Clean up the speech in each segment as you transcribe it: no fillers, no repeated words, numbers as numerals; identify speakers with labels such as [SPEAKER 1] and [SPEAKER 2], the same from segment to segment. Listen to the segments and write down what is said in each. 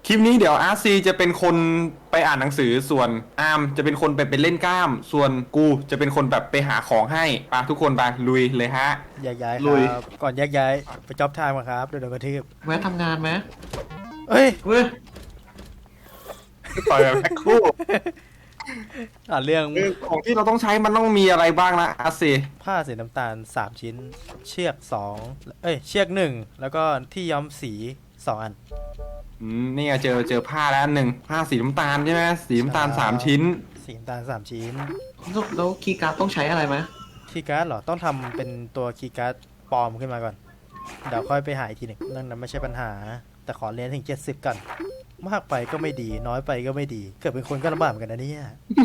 [SPEAKER 1] คลิปนี้เดี๋ยวอาร์ซีจะเป็นคนไปอ่านหนังสือส่วนอาร์มจะเป็นคนไปเป็นเล่นกล้ามส่วนกูจะเป็นคนแบบไปหาของให้ปะทุกคนไปลุยเลยฮะ
[SPEAKER 2] แยกย้ายค
[SPEAKER 3] ลุย
[SPEAKER 2] รับก่อนแยกย้ายไปจ็อบไทม์ก่อนครับเดี๋ยวโดนกระทืบ
[SPEAKER 3] แวะทำงานไหม
[SPEAKER 2] เอ้ย
[SPEAKER 3] เว้ย
[SPEAKER 1] ต่อยแบบแพ็คคู่
[SPEAKER 2] อ่านเรื่อง
[SPEAKER 1] ของที่เราต้องใช้มันต้องมีอะไรบ้างนะอาร์ซี
[SPEAKER 2] ผ้าสีน้ำตาล3ชิ้น เชือก2เชือก1แล้วก็ที่ย้อมสี2อัน
[SPEAKER 1] นี่ไงเจอผ้าแล้วอันหนึ่งผ้าสีน้ำตาลใช่ไหมสีน้ำตาล
[SPEAKER 2] ใช่
[SPEAKER 1] 3 ชิ้น
[SPEAKER 2] สีน้ำตาล3ชิ้น
[SPEAKER 3] แล้วคีย์การ์ดต้องใช้อะไรไหม
[SPEAKER 2] คีย์การ์ดเหรอต้องทำเป็นตัวคีย์การ์ดปลอมขึ้นมาก่อนเดี๋ยวค่อยไปหาอีกทีหนึ่งเรื่องนั้นไม่ใช่ปัญหา แต่ขอเรียนถึง70ก่อนมากไปก็ไม่ดีน้อยไปก็ไม่ดีเกิดเป็นคนก็ลำบากเหมือนกันนะเนี่ย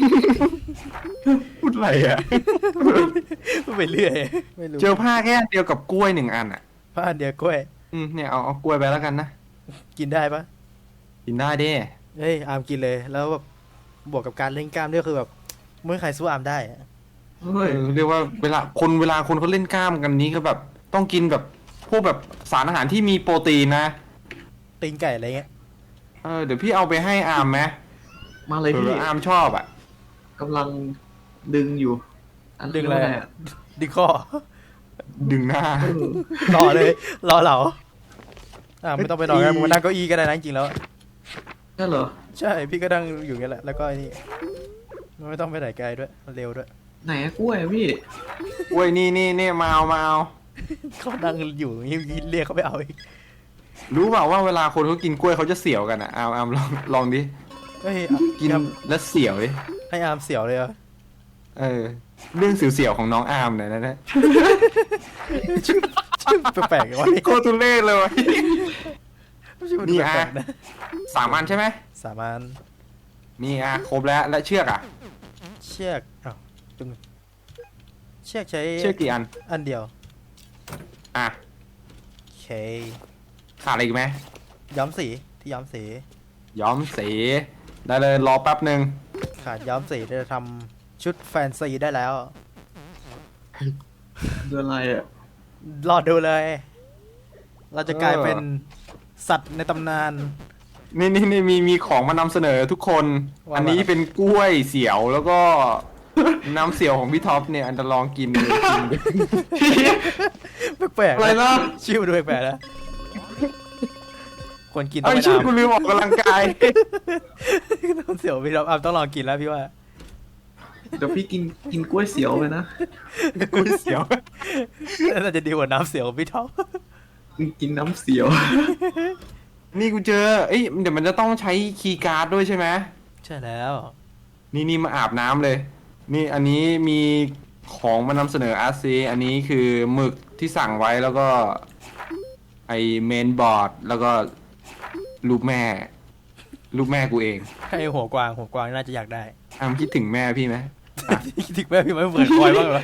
[SPEAKER 1] พูดอะไรอ่ะ
[SPEAKER 2] ไปเรื่อยไม่รู้
[SPEAKER 1] เจอผ้าแค่เดียวกับกล้วย1 อันอ่ะ
[SPEAKER 2] ผ้าอันเดียวกล้วย
[SPEAKER 1] เนี่ยเอากล้วยไปแล้วกันนะ
[SPEAKER 2] กินได้ปะ
[SPEAKER 1] กินได้ดิ
[SPEAKER 2] เฮ้ยอาร์มกินเลยแล้วแบบบวกกับการเล่นกล้ามด้วยคือแบบไม่มีใครสู้อาร์มได้อะ
[SPEAKER 3] เฮ้ย
[SPEAKER 1] เรียกว่าเวลาคนเขาเล่นกล้ามกันนี้ก็แบบต้องกินแบบพวกแบบสารอาหารที่มีโปรตีนนะ
[SPEAKER 2] ตีนไก่อะไรเงี้ย
[SPEAKER 1] เดี๋ยวพี่เอาไปให้อาร์มไหม
[SPEAKER 3] มาเลยพี่
[SPEAKER 1] อาร์มชอบอ่ะ
[SPEAKER 3] กำลังดึงอยู่
[SPEAKER 2] ดึงอะไร
[SPEAKER 3] เรียกว่า
[SPEAKER 2] อะดึงข้อ
[SPEAKER 1] ดึงหน้า
[SPEAKER 3] เออ
[SPEAKER 2] รอเลยรอเหลาไม่ต้องไปรอกันมึงมานั่งเก้าอี้ก็ได้นะจริงๆแล้ว
[SPEAKER 3] ใช่เหรอ
[SPEAKER 2] ใช่พี่ก็นั่งอยู่อย่างนี้แหละแล้วก็ไอ้นี่ไม่ต้องไปไหนไกลด้วยมันเร็วด้วย
[SPEAKER 3] ไหนอะกล้วยอะพี่
[SPEAKER 1] โอ้ยนี่มาเอา
[SPEAKER 2] เขานั่งอยู่อย่างนี้เรียกเขาไปเอาอีก
[SPEAKER 1] รู้เปล่าว่าเวลาคนเขากินกล้วยเขาจะเสียวกันอ่ะอาร์มลองดิ
[SPEAKER 2] เฮ้ย
[SPEAKER 1] กิน
[SPEAKER 2] ครับ
[SPEAKER 1] แล้วเสียวดิ
[SPEAKER 2] ให้อาร์มเสียวเลยเหรอ
[SPEAKER 1] เรื่องเสียวๆของน้องอาร์มเนี่ยนะ
[SPEAKER 2] ชื่อแปลกๆวะนี่
[SPEAKER 1] โคตรทุเล่เลยวะ
[SPEAKER 2] ชื่อมัน
[SPEAKER 1] นี่
[SPEAKER 2] แปล
[SPEAKER 1] อ่ะ
[SPEAKER 2] กๆนะ
[SPEAKER 1] 3 อันใช่ไหม
[SPEAKER 2] สามารถ
[SPEAKER 1] นี่ครบแล้วและเชือกอ่ะ
[SPEAKER 2] เชือกอ้าวตึงเชือกใช้
[SPEAKER 1] เชือกกี่อัน
[SPEAKER 2] อันเดียว
[SPEAKER 1] อ่ะ
[SPEAKER 2] โอเค
[SPEAKER 1] ขาดอะไรอีกไหม
[SPEAKER 2] ย้อมสีที่ย้อมสี
[SPEAKER 1] ย้อมสีได้เลยรอแป๊บหนึ่ง
[SPEAKER 2] ขาดย้อมสีจะทำชุดแฟนซีได้แล้ว
[SPEAKER 3] เดือนอะไรอะ
[SPEAKER 2] รอดูเลย เราจะกลายเป็นสัตว์ในตำนาน
[SPEAKER 1] นี่มีของมานำเสนอทุกคน
[SPEAKER 2] ว่า
[SPEAKER 1] อันนี้เป็นกล้วยเสียวแล้วก็ น้ำเสียวของพี่ท็อปเนี่ยอันจะลองกินเลยกิน
[SPEAKER 2] แปลกๆ
[SPEAKER 3] อะไร
[SPEAKER 2] นะ
[SPEAKER 3] นะ
[SPEAKER 2] ชื่อมันดูแปลกๆนะคนกินต้อ
[SPEAKER 1] ไอ้
[SPEAKER 2] ง
[SPEAKER 1] ย
[SPEAKER 2] ไป
[SPEAKER 1] ชื่อ
[SPEAKER 2] น้ำ
[SPEAKER 1] กูลืมออกกำลังกาย
[SPEAKER 2] น้ำเสียวพี่เราต้องลองกินแล้วพี่ว่า
[SPEAKER 3] เดี๋ยวพี่กินกล้วยเสียวไปนะ
[SPEAKER 1] กล้วยเสียว
[SPEAKER 2] น่าจะดีกว่าน้ำเสียวของพี่ท็อป
[SPEAKER 3] กินน้ำเสียว
[SPEAKER 1] นี่กูเจอเดี๋ยวมันจะต้องใช้คีย์การ์ดด้วยใช่ไหม
[SPEAKER 2] ใช่แล้ว
[SPEAKER 1] นี่มาอาบน้ำเลย นี่อันนี้มีของมานำเสนออาร์ซีอันนี้คือหมึกที่สั่งไว้แล้วก็ไอเมนบอร์ดแล้วก็รูปแม่กูเอง
[SPEAKER 2] ให้หัวกวางน่าจะอยากได้
[SPEAKER 1] อามคิดถึงแม่พี่ไหม
[SPEAKER 2] ถึงแม่พี่ไม่เหมือนคอยบ้างเหรอ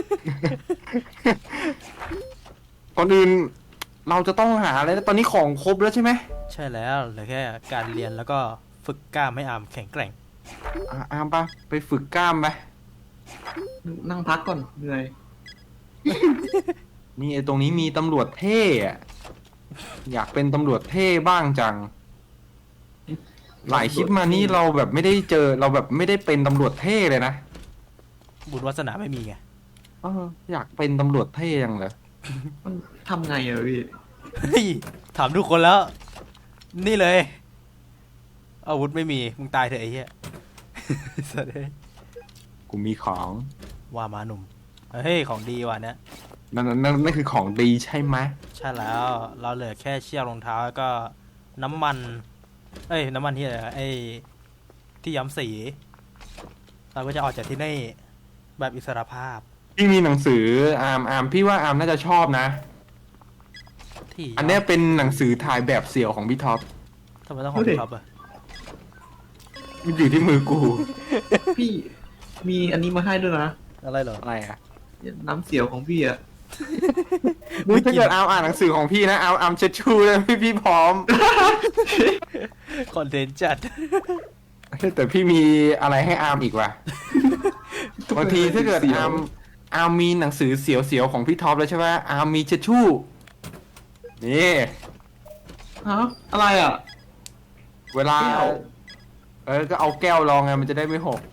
[SPEAKER 1] ก่อนอื่นเราจะต้องหาอะไรนะตอนนี้ของครบแล้วใช่ไหม
[SPEAKER 2] ใช่แล้วเหลือแค่การเรียนแล้วก็ฝึกกล้ามให้อามแข็งแกร่ง
[SPEAKER 1] อามปะไปฝึกกล้ามไป
[SPEAKER 3] นั่งพักก่อนเหนื่อย
[SPEAKER 1] นี่ไอ้ตรงนี้มีตำรวจเท่อะอยากเป็นตำรวจเท่บ้างจัง หลายคลิปมานี่เราแบบไม่ได้เจอเราแบบไม่ได้เป็นตำรวจเท่เลยนะ
[SPEAKER 2] บุญวาสนาไม่มีไง
[SPEAKER 1] อยากเป็นตำรวจเท่ยังเลย
[SPEAKER 3] มันทำไงอะพี่
[SPEAKER 2] เฮ้ยถามทุกคนแล้ว นี่เลย อาวุธไม่มีมึงตายเถอะไอ้เหี้ย สวัสดี
[SPEAKER 1] กูมีของ
[SPEAKER 2] ว่ามาหนุ่มเฮ้ยของดีว่ะเนี่ย
[SPEAKER 1] นั่นคือของดีใช่ไหม
[SPEAKER 2] ใช่แล้วเราเหลือแค่เชือกรองเท้าแล้วก็น้ำมันน้ำมันที่อะไรนะที่ย้ำสี เราก็จะออกจากที่นี่แบบอิสรภาพ
[SPEAKER 1] พี่มีหนังสืออาร์มพี่ว่าอาร์มน่าจะชอบนะ
[SPEAKER 2] ที่
[SPEAKER 1] อันเนี้ยเป็นหนังสือถ่ายแบบเสี่ยวของพี่ท็อป
[SPEAKER 2] ทำไมต้องของพี่ท็อปอะ
[SPEAKER 1] มันอยู่ที่มือกู
[SPEAKER 3] พี่มีอันนี้มาให้ด้วยนะ
[SPEAKER 2] อะไรเหรอ
[SPEAKER 1] อะไรอ่ะ
[SPEAKER 3] น้ำเสียวของพี่อะ
[SPEAKER 1] ถ้าเกิดอาร์มอ่านหนังสือของพี่นะอาร์มเช็ดชูเลยพี่พร้อม
[SPEAKER 2] คอนเทนต์จัด
[SPEAKER 1] แต่พี่มีอะไรให้อาร์มอีกว่ะ บางทีถ้าเกิดอาร์มมีหนังสือเสียวๆของพี่ท็อปแล้วใช่ไหมอาร์มมีเช็ดชู่นี่
[SPEAKER 3] ฮะอะไรอะ
[SPEAKER 1] เวลา
[SPEAKER 3] แก้ว
[SPEAKER 1] ก็เอาแก้วรองไงมันจะได้ไม่หก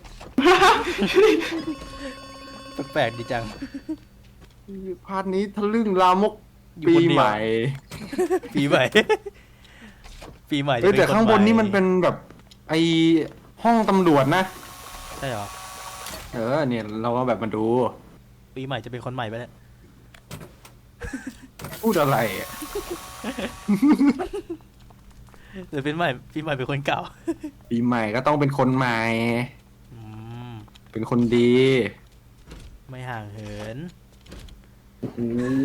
[SPEAKER 2] แปลกๆดีจัง
[SPEAKER 1] พาร์ทนี้ทะลึ่งลามก
[SPEAKER 2] อยู่
[SPEAKER 1] ปี
[SPEAKER 2] คนเดียว
[SPEAKER 1] ใหม่
[SPEAKER 2] ปีใหม่ ปีใหม่
[SPEAKER 1] แต่ข้างบนนี่มัน
[SPEAKER 2] เป็
[SPEAKER 1] เป็นแบบไอห้องตำรวจนะ
[SPEAKER 2] ใช่เหรอ
[SPEAKER 1] เนี่ยเราก็แบบมาดู
[SPEAKER 2] ปีใหม่จะเป็นคนใหม่ไปแล้ว
[SPEAKER 1] พูดอะไรอะ
[SPEAKER 2] หรือเป็นใหม่ปีใหม่เป็นคนเก่า
[SPEAKER 1] ปีใหม่ก็ต้องเป็นคนใหม่
[SPEAKER 2] อืม
[SPEAKER 1] เป็นคนดี
[SPEAKER 2] ไม่ห่างเหิน
[SPEAKER 3] โอ้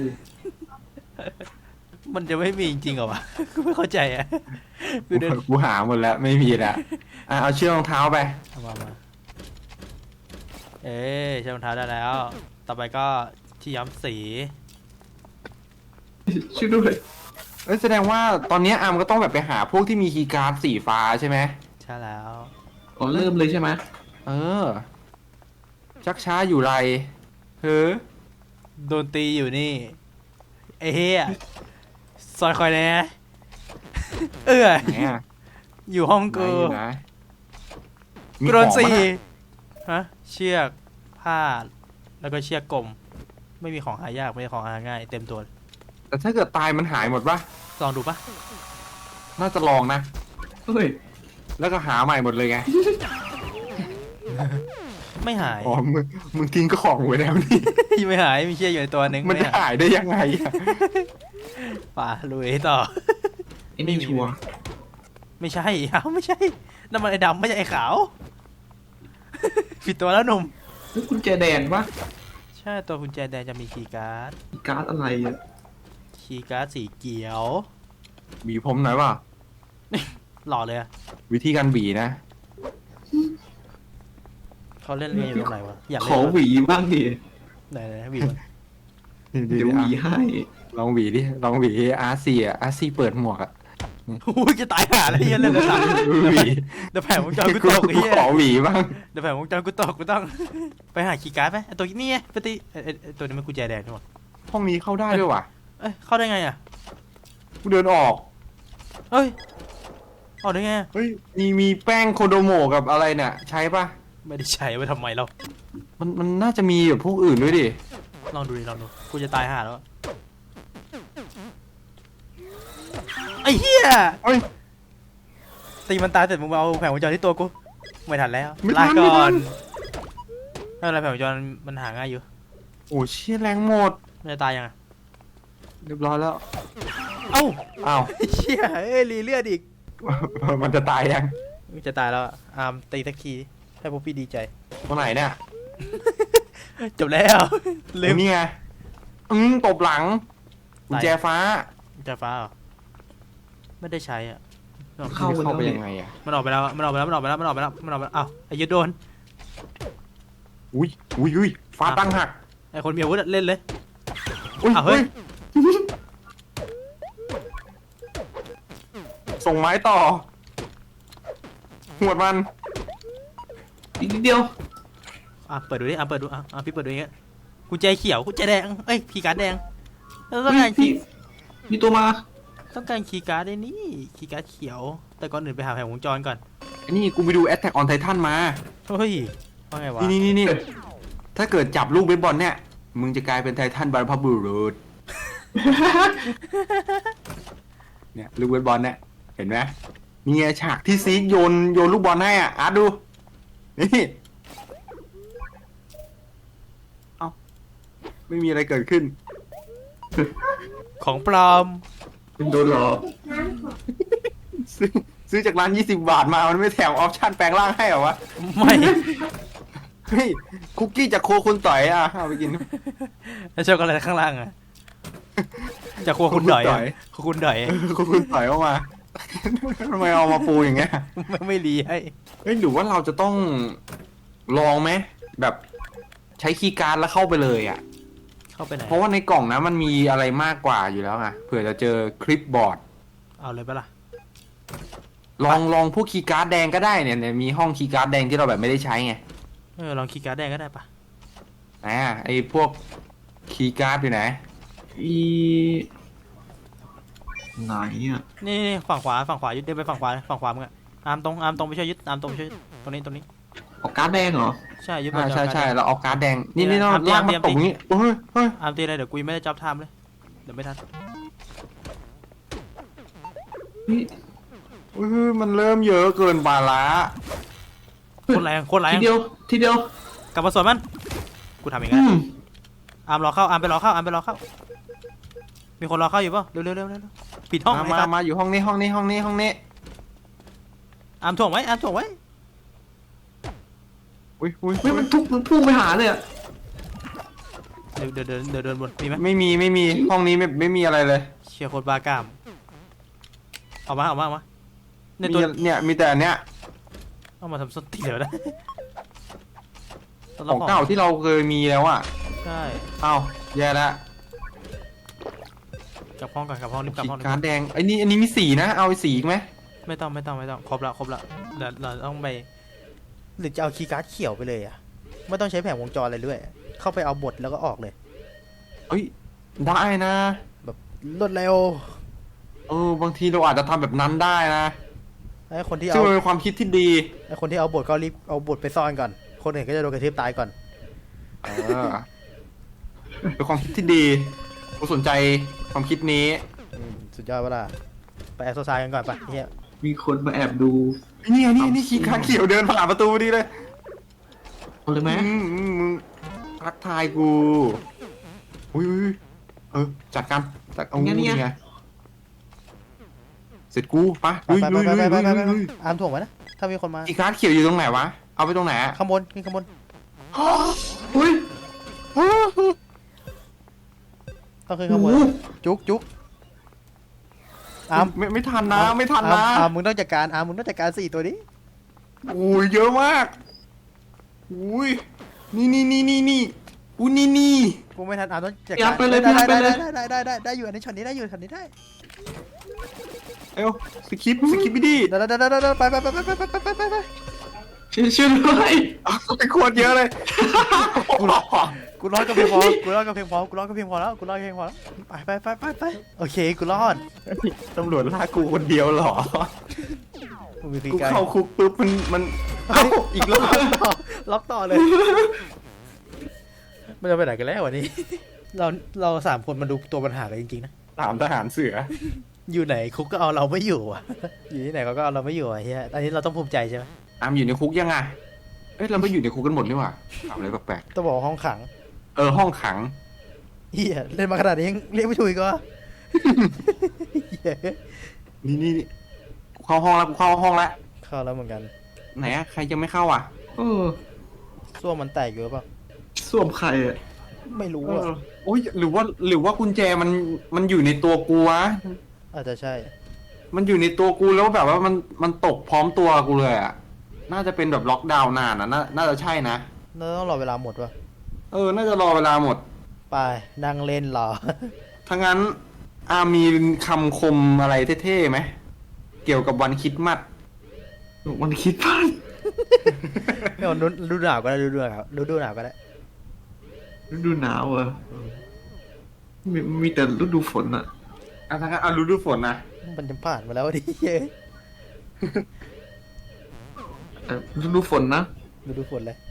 [SPEAKER 2] มันจะไม่มีจริงๆเหรอวะ กูไม่เข้าใจอ่ะกูเดิน
[SPEAKER 1] กูหาหมดแล้วไม่มีแล้วเอาเชือกรองเท้าไป
[SPEAKER 2] เอามาเอ๊ใช้รองเท้าได้แล้ว ต่อไปก็ที่ย้อมสี
[SPEAKER 3] ช่วยด้วย
[SPEAKER 1] แสดงว่าตอนนี้อาร์มก็ต้องแบบไปหาพวกที่มีคีย์การ์ดสีฟ้าใช่ไหม
[SPEAKER 2] ใช่แล้ว
[SPEAKER 3] อ๋อเริ่มเลยใช่ไหม
[SPEAKER 1] ชักช้าอยู่ไรเฮ้อ
[SPEAKER 2] โดนตีอยู่นี่ไอ้เฮียซอยคอยแน่
[SPEAKER 1] ไหนอ่ะ
[SPEAKER 2] อยู่ห้อง
[SPEAKER 1] ไหน
[SPEAKER 2] กู
[SPEAKER 1] อยู่นะ
[SPEAKER 2] กูโดน
[SPEAKER 1] ของ
[SPEAKER 2] สี่
[SPEAKER 1] ปะเย
[SPEAKER 2] ฮะเชือกผ้าแล้วก็เชือกกลม ไม่มีของหายากไม่มีของหาง่ายเต็มตัว
[SPEAKER 1] แต่ถ้าเกิดตายมันหายหมดปะ
[SPEAKER 2] ลองดูปะ
[SPEAKER 1] น่าจะลองนะ
[SPEAKER 3] เฮ้ย
[SPEAKER 1] แล้วก็หาใหม่หมดเลยไง
[SPEAKER 2] ไม่หาย
[SPEAKER 1] อ๋อมึงทิ้งก็ของไว้แล้วนี่
[SPEAKER 2] ไม่หายมีเชือกอยู่ในตัวหนึง
[SPEAKER 1] มันจะ
[SPEAKER 2] ไหาย
[SPEAKER 1] หายได้ยังไงอ่ะ
[SPEAKER 2] ป่าลุยต่อ
[SPEAKER 3] ไอ้นี่ชัวร์
[SPEAKER 2] ไม่ใช่เอ้าไม่ใช่นั่นมันไอ้ดำไม่ใช่ไอ้ขาว ผิดตัวแล้วหนุ่ม
[SPEAKER 3] นี่กุญแจแดงปะ
[SPEAKER 2] ใช่ตัวกุญแจแดงจะมีคีย์การ์ด
[SPEAKER 3] การ์ดอะไรอ่ะ
[SPEAKER 2] คีย์การ์ดสีเขียว
[SPEAKER 1] บีผมหน่อยป่ะ
[SPEAKER 2] หล่อเลยอะ
[SPEAKER 1] วิธีการบีนะ
[SPEAKER 2] เขาเล่นเรียนอยู่ตรงไหนวะอยาก
[SPEAKER 3] ข
[SPEAKER 2] เล่
[SPEAKER 3] อน หวีบ้างดิ
[SPEAKER 2] ไหนๆหวีวะ
[SPEAKER 3] เดี๋ยวหวีให้
[SPEAKER 1] ลองบีดิลองบีอาร์ซีอ่ะอาร์ซีเปิดหมวกอ่ะ
[SPEAKER 2] อุ้ยจะตายห่าแล้วเฮียเรื่องกระสัน
[SPEAKER 1] บี
[SPEAKER 2] เดี๋ยวแผงวงจรกูตกไอ้เฮีย
[SPEAKER 1] ขอบีบ้าง
[SPEAKER 2] เดี๋ยวแผงวงจรกูตกกูต้อง ไปหาคีย์การ์ดไหมไอ้ตัวนี้ไงปฏิไอ้ตัวนี้มันกุญแจแดงใช่ไหม
[SPEAKER 1] ห้องนี้เข้าได้ด้วยว่ะ
[SPEAKER 2] เอ้ยเข้าได้ไงอะ
[SPEAKER 1] กูเดินออก
[SPEAKER 2] เฮ้ยออกได้ไงอะ
[SPEAKER 1] เฮ้ยมีแป้งโคโดโมะกับอะไรเนี่ยใช้ป่ะ
[SPEAKER 2] ไม่ได้ใช้ไว้ทำไมเรา
[SPEAKER 1] มันน่าจะมีแบบพวกอื่นด้วยดิ
[SPEAKER 2] ลองดูดิลองดูกูจะตายห่าแล้วอะไอ้เหี้ย
[SPEAKER 1] เฮ้ย
[SPEAKER 2] ตีมันตายเสร็จมึงมาเอาแผงวงจรที่ตัวกูไม่ทันแล้ว
[SPEAKER 1] ไม่ทั
[SPEAKER 2] ลาน ก่อน
[SPEAKER 1] ไม่ทั
[SPEAKER 2] ไม่เป็นไรแผงวงจรมันหาง่ายอยู่
[SPEAKER 1] โอ้เชี่ยแรงหมด
[SPEAKER 2] มันจะตายยังไง
[SPEAKER 1] เรียบร้อยแล้ว
[SPEAKER 2] เอ้า
[SPEAKER 1] อ้าว
[SPEAKER 2] ไอ้เชี่ยเอ้ยรีเลือดอีก
[SPEAKER 1] มันจะตายยัง
[SPEAKER 2] จะตายแล้วอะอาร์มตีสักทีให้พวกพี่ดีใจ
[SPEAKER 1] ตรงไหนเนี่ย
[SPEAKER 2] จบแล้วลืม
[SPEAKER 1] นี่ไงตบหลังกุญแจฟ้า
[SPEAKER 2] จะฟ้าเหรอไม่ได้ใช้อ่ะ
[SPEAKER 3] เข้าไปแล้ว
[SPEAKER 1] ไป
[SPEAKER 3] เนี่
[SPEAKER 1] ยังไง
[SPEAKER 3] ย
[SPEAKER 1] อ่ะ
[SPEAKER 2] มันออกไปแล้วมันออกไปแล้วมันออกไปแล้วมันออกไปแล้วมันออกไปแล้วอ้าวไอ้ยึดโดน
[SPEAKER 1] อุ้ยฟ้าตั้งหัก
[SPEAKER 2] ไอ้คนมีอาวุธอะเล่นเลย
[SPEAKER 1] อุ้ย
[SPEAKER 2] อ้าวเฮ้ย
[SPEAKER 1] ส่งไม้ต่อหวดมัน
[SPEAKER 3] อีกนิดเดียว
[SPEAKER 2] อ่ะเปิดดูดิอ่ะเปิดดูอ่ะพี่เปิดดูอย่างเงี้ยกุญแจเขียวกุญแจแดงเอ้ยคีย์การ์ดแดงแล้วต้องการคี
[SPEAKER 3] พี่
[SPEAKER 2] ย์
[SPEAKER 3] มีตัวมา
[SPEAKER 2] ต้องการคีย์การ์ดได้นี่คีย์การ์ดเขียว แต่ก่อนอื่นไปหาแผงวงจรก่อน
[SPEAKER 1] ไอ้นี่กูไปดู Attack on Titan มา
[SPEAKER 2] เฮ้ยว่าไงวะ
[SPEAKER 1] นี่ถ้าเกิดจับลูกเบสบอลเนี่ย มึงจะกลายเป็นไททันบรรพบุรุษ เนี่ยลูกเบสบอลเนี่ย เห็นไหมมีไงฉากที่ซีกโยนลูกบอลให้อ่ะอาร์ตดู นี่ เอาไม่มีอะไรเกิดขึ้น
[SPEAKER 2] ของปลอม
[SPEAKER 3] เป็นโดนหลอก
[SPEAKER 1] ซื้อจากร้าน20 บาทมา มันไม่แถมออปชั่นแปลงร่างให้เหรอวะ
[SPEAKER 2] ไม่
[SPEAKER 1] เฮ้ย คุกกี้จากโคคุณต่อยอ่ะ เอาไปกิน
[SPEAKER 2] แล้วช็อกโกแลตข้างล่างอะจากครัวคุณดอยอะครัวคุณดอย
[SPEAKER 1] โคคุณต่อยออกมา ทำไมเอามาปูอย่างเงี้ย
[SPEAKER 2] ไม่รีให้
[SPEAKER 1] เฮ้ยหรือว่าเราจะต้องลองไหมแบบใช้คีย์การ์ดแล้วเข้าไปเลยอ่ะ
[SPEAKER 2] เข้าไปไหน
[SPEAKER 1] เพราะว่าในกล่องนะมันมีอะไรมากกว่าอยู่แล้วไงเผื่อจะเจอคลิปบอร์ด
[SPEAKER 2] เอาเลยปะล่ะ
[SPEAKER 1] ลองพวกคีย์การ์ดแดงก็ได้เนี่ยมีห้องคีย์การ์ดแดงที่เราแบบไม่ได้ใช้ไง
[SPEAKER 2] ลองคีย์การ์ดแดงก็ได้ปะ
[SPEAKER 1] ไอพวกคีย์การ์ดอยู่ไหน
[SPEAKER 3] อีไหนอ่ะ
[SPEAKER 2] นี่ฝั่งขวาฝั่งขวายึดเดินไปฝั่งขวามึงอะอาร์มตรงไปช่วยยึดอาร์มตรงไปช่วยยึดตรงนี้
[SPEAKER 3] ออกการ์ดแดงเหรอ
[SPEAKER 2] ใช่ยึดบอล
[SPEAKER 1] ใช่
[SPEAKER 2] จอ
[SPEAKER 1] เราเอาการ์ดแดงนี่
[SPEAKER 2] นี่
[SPEAKER 1] เรา
[SPEAKER 2] นะ
[SPEAKER 1] ลากมา
[SPEAKER 2] เตรียม
[SPEAKER 1] ตกนี้เฮ้ย
[SPEAKER 2] อาร์มตีอะไรเดี๋ยวกูยังไม่ได้จ็อบไทม์เลยเดี๋ยวไม่ทัน
[SPEAKER 3] นี่
[SPEAKER 1] เฮ้ยมันเริ่มเยอะเกินไปละ
[SPEAKER 2] โคตรแรง
[SPEAKER 3] ทีเดียว
[SPEAKER 2] กลับมาสวนมันกูทำอย่าง
[SPEAKER 3] อื
[SPEAKER 2] งั้น
[SPEAKER 3] ม
[SPEAKER 2] อาร์มรอเข้าอาร์มไปรอเข้ามีคนรอเข้าอยู่ป่ะเร็วปิดห้องไอ้สัตว์
[SPEAKER 1] มาอยู่ห้องนี้
[SPEAKER 2] อาร์มถ่วงไว้
[SPEAKER 1] อุ้ย
[SPEAKER 3] เฮ้ยมันพุ่งไปหาเลยอะ
[SPEAKER 2] เดี๋ยวเดินบนมีไหม
[SPEAKER 1] ไม่มีห้องนี้ไม่มีอะไรเลย
[SPEAKER 2] เชียร์โคตรบ้ากล้ามเอามาในตัว
[SPEAKER 1] เนี่ยมีแต่อันเนี้ย
[SPEAKER 2] เอามาทำส้นตีนเดี๋ยวนะ
[SPEAKER 1] ของเก่าที่เราเคยมีแล้วอ่ะ
[SPEAKER 2] ใช่
[SPEAKER 1] เอ้าแย่แล้ว
[SPEAKER 2] กลับห้องก่อนกลับห้องรีบกลับห้อง
[SPEAKER 1] การ์ดแดงไอ้นี่มีสีนะเอาสีอีกไหม
[SPEAKER 2] ไม่ต้องครบละเดี๋ยวเราต้องไปหรือจะเอาคีย์การ์ดเขียวไปเลยอ่ะไม่ต้องใช้แผงวงจรอะไรด้วยเข้าไปเอาบทแล้วก็ออกเลย
[SPEAKER 1] เอ้ยได้นะ
[SPEAKER 2] แบบรวดเร็ว
[SPEAKER 1] บางทีเราอาจจะทำแบบนั้นได้นะ
[SPEAKER 2] ไอ้คนที่
[SPEAKER 1] ซึ่
[SPEAKER 2] เอา
[SPEAKER 1] งมันเป็นความคิดที่ดี
[SPEAKER 2] ไอ้คนที่เอาบทก็รีบเอาบทไปซ่อนก่อนคนอื่นก็จะโดนกระทืบตายก่อน
[SPEAKER 1] เป็นความคิดที่ดีผมสนใจความคิดนี้
[SPEAKER 2] สุดยอดเวลาไปแอสโซไซกันก่อนปะเฮีย
[SPEAKER 3] มีคนมาแอบดู
[SPEAKER 1] นี่ขี้ขาเขียวเดินผ่านประตูดีเลย
[SPEAKER 3] เอาเลยไหม
[SPEAKER 1] มึงทักทายกูอุ้ยจัดการเอานี่ไงเสร็จกูปะลุย
[SPEAKER 2] อาร์มถ่วงไว้นะถ้ามีคนมา
[SPEAKER 1] ขี้ขาเขียวอยู่ตรงไหนวะเอาไปตรงไหน
[SPEAKER 2] ข้างบนขึ้นข้างบน
[SPEAKER 3] อุ้ย
[SPEAKER 2] ต้องขึ้นข้างบนจุกอาร์ม
[SPEAKER 1] ไม่ทันนะไม่ทันนะ
[SPEAKER 2] อาร์มมึงต้องจัดการ4ตัวนี้
[SPEAKER 1] อุ้ยเยอะมากอุ้ยนี่อุ้ยนี่
[SPEAKER 2] กูไม่ทันอาร์มต้องจัดการ
[SPEAKER 3] ไปเลย
[SPEAKER 2] ได้อยู่อันนี้ช็อตนี้ได้อยู่ช็อตนี้ได้
[SPEAKER 1] เอ้าสกิปไม่ดี
[SPEAKER 2] ได้ไป
[SPEAKER 3] ช่วยด้วย
[SPEAKER 1] เป็นโคตรเยอะเลย
[SPEAKER 2] กูรอดก็เพียงพอแล้วไปโอเคกูรอด
[SPEAKER 1] ตำรวจลากกูคนเดียวเหรอ
[SPEAKER 2] มึงมี
[SPEAKER 1] กู
[SPEAKER 2] การ
[SPEAKER 1] เข้าคุกปุ๊บมันอีกรอบ
[SPEAKER 2] ล็อกต่อเลยมันจะไปไหนกันแล้ววันนี้ เรา3 คนมาดูตัวปัญหากันจริงๆนะ
[SPEAKER 1] ถามทหารเสือ
[SPEAKER 2] อยู่ไหนคุกก็เอาเราไม่อยู่อ่ะ อยู่ที่ไหนเขาก็เอาเราไม่อยู่อ่ะเฮียอันนี้เราต้องภูมิใจใช่ไหม
[SPEAKER 1] อามอยู่ในคุกยังไงเราไม่อยู่ในคุกกันหมดนี่หว่าถามอะไรแปลก
[SPEAKER 2] ต้องบอกว่าห้องขัง
[SPEAKER 1] ๆห้องขัง
[SPEAKER 2] เฮียเล่นมาขนาดนี้ยังเรียกไม่ถูกอีก็เหี้ย
[SPEAKER 1] นี่กูเข้าห้องแล้วเข้า
[SPEAKER 2] แล้วเหมือนกัน
[SPEAKER 1] ไหนอะใครยังไม่เข้าอ่ะ
[SPEAKER 2] ส้วมมันแตกอยู่หรือเปล่า
[SPEAKER 3] ส้วมใครอะ
[SPEAKER 2] ไม่รู้อ่ะ
[SPEAKER 1] โอ้ยหรือว่ากุญแจมันอยู่ในตัวกูวะ
[SPEAKER 2] อาจจะใช่
[SPEAKER 1] มันอยู่ในตัวกูแล้วแบบว่ามันตกพร้อมตัวกูเลยอ่ะน่าจะเป็นแบบล็อกดาวน์นานอ่ะน่าจะใช่นะ
[SPEAKER 2] เราต้องรอเวลาหมดวะ
[SPEAKER 1] น่าจะรอเวลาหมด
[SPEAKER 2] ไปนั่งเล่นรอ
[SPEAKER 1] ถ้างั้นมีคำคมอะไรเท่ๆไหมเกี่ยวกับวันคริสต์มาส
[SPEAKER 3] มันคิดพลาด
[SPEAKER 2] ไม่เอาดูหนาวก็ได้ดูหนาวก็ได้
[SPEAKER 3] ฤดูหนาวอะมีแต่ฤดูฝนอะ
[SPEAKER 1] ถ้างั้นฤดูฝนนะ
[SPEAKER 2] มันจะผ่านมาแล้วดิเย้ย
[SPEAKER 3] ฤดูฝนนะ
[SPEAKER 2] ดูฝนเลย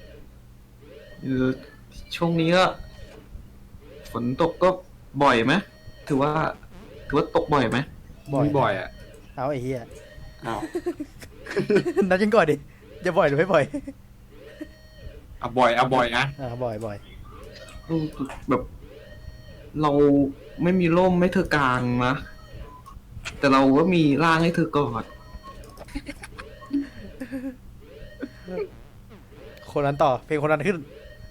[SPEAKER 3] ช่วงนี้ก็ฝนตกก็บ่อยไหมถือว่าตกบ่อยไหม
[SPEAKER 1] บ่อยอ่ะ
[SPEAKER 2] เอาไอ้เหี้ย
[SPEAKER 1] อ้าว
[SPEAKER 2] นัดยังก่อนดิจะบ่อยหรือไม่บ่อย
[SPEAKER 1] บ่อยนะ
[SPEAKER 2] บ่อย
[SPEAKER 3] แบบ เราไม่มีร่มให้เธอกลางนะแต่เราก็มีร่างให้เธอกอด
[SPEAKER 2] คนนั้นต่อเพลงคนนั้นขึ้น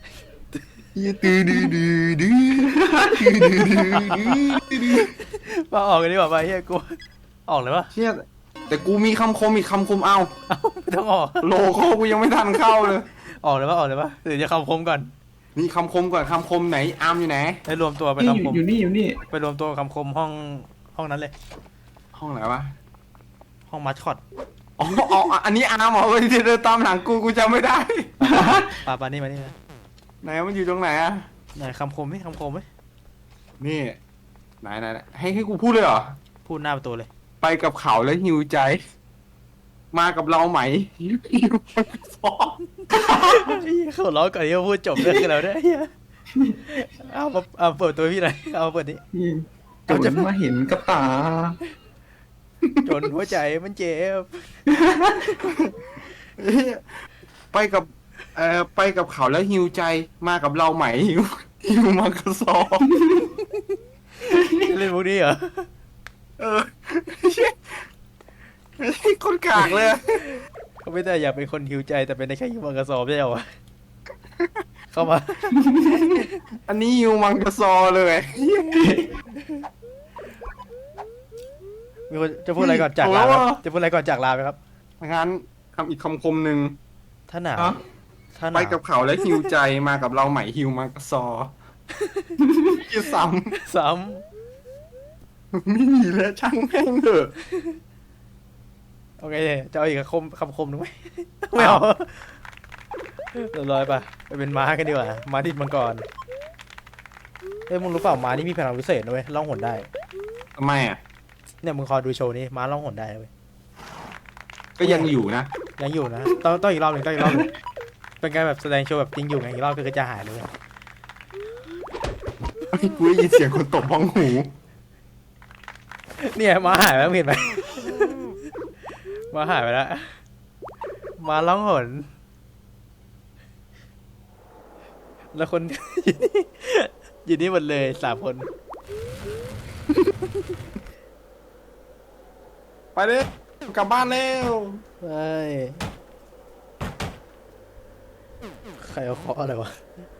[SPEAKER 2] มาออกกันดีกว่าไปเฮียกูออกเลยวะ
[SPEAKER 1] เชี่ยแต่กูมีคำคมอีกคำคมเอา
[SPEAKER 2] ไม่ต้องออก
[SPEAKER 1] โลโก้กูยังไม่ทันเข้าเลย
[SPEAKER 2] ออกเลยวะหรือจะคำคมก่อน
[SPEAKER 1] นี่คำคมก่อนคำคมไหนอาร์มอยู่ไหน
[SPEAKER 2] ให้รวมตัวไป
[SPEAKER 3] นี่
[SPEAKER 2] คำคม
[SPEAKER 3] อยู่นี่
[SPEAKER 2] ไปรวมตัวคำคมห้องนั้นเลย
[SPEAKER 1] ห้องไหนวะ
[SPEAKER 2] ห้องมัสคอต
[SPEAKER 1] อ๋ออันนี้อาร์มเหรอที่เดินตามหลังกูจำไม่ได้
[SPEAKER 2] ปานี่มานี่นะ
[SPEAKER 1] ไหนมันอยู่ตรงไหนอะ
[SPEAKER 2] ไหนคำคมไหม
[SPEAKER 1] นี่ไหนให้กูพูดเลยเหรอ
[SPEAKER 2] พูดหน้าประตูเลย
[SPEAKER 1] ไปกับเขาแล้วหิวใจมากับเราไหมฮิวมังกรซอ
[SPEAKER 2] เขาร้องก่อนที่จะพูดจบเรื่องกันแล้วเนี่ยเหี้ยเอาเปิดตัวพี่หน่อยเอาเปิดนี้
[SPEAKER 3] จนมาเห็นกับตา
[SPEAKER 2] จนหัวใจมันเจ็บ
[SPEAKER 1] ไปกับไปกับเขาแล้วฮิวใจมากับเราไหมฮิวมังกรซอ
[SPEAKER 2] เล่นพวกนี้เหรอ
[SPEAKER 1] เออคนกากเลย
[SPEAKER 2] เขาไม่ได้อยากเป็นคนหิวใจแต่เป็นได้แค่หิวมังกรสอบใช่เหรอวะเข้ามา
[SPEAKER 1] อันนี้ฮิวมังกรซอเลย
[SPEAKER 2] มีคนจะพูดอะไรก่อนจากลาไหมครับจะพูดอะไรก่อนจากลาไหมครับ
[SPEAKER 1] งั้นคำอีกคำคมหนึ่ง
[SPEAKER 2] ถ้าหนาว
[SPEAKER 3] ฮะ
[SPEAKER 2] ถ้าห
[SPEAKER 1] ไป
[SPEAKER 2] นาว
[SPEAKER 1] กับเขาแล้วฮิวใจมากับเราไหมฮิวมังกรซอยี่ซ้
[SPEAKER 2] ซ้
[SPEAKER 1] ำไม่มีแล้วช่างแม่งเถอะ
[SPEAKER 2] ำโอเคจะเอาอีกคำคมหนึ่งไหมไม่เอาเรียบร้อยปะไปเป็นม้ากันดีกว่าม้าดิบมังกรเอ้ยมึงรู้เปล่าม้านี่มีพลังพิเศษนะเว้ยล่องหนได้
[SPEAKER 1] ทำไมอ่ะ
[SPEAKER 2] เนี่ยมึงคอยดูโชว์นี้ม้าล่องหนได้นะเว้ย
[SPEAKER 1] ก็ยังอยู่นะ
[SPEAKER 2] ยังอยู่นะต้องอีกรอบหนึ่งต้องอีกรอบหนึ่งเป็นการแบบแสดงโชว์แบบจริงอยู่ไงอีกรอบก็คือจะหายเลยเว้ย
[SPEAKER 1] กูได้ยินเสียงคนตบบ้องหู
[SPEAKER 2] เนี่ยม้าหายไปแล้วเห็นไหม ม้าหายไปแล้วม้าล่องหนแล้วคน อยู่นี่หมดเลย3 คน
[SPEAKER 1] ไปเลยกลับบ้านแล้ว
[SPEAKER 2] ใช่ใครเอาเคาะอะไรวะ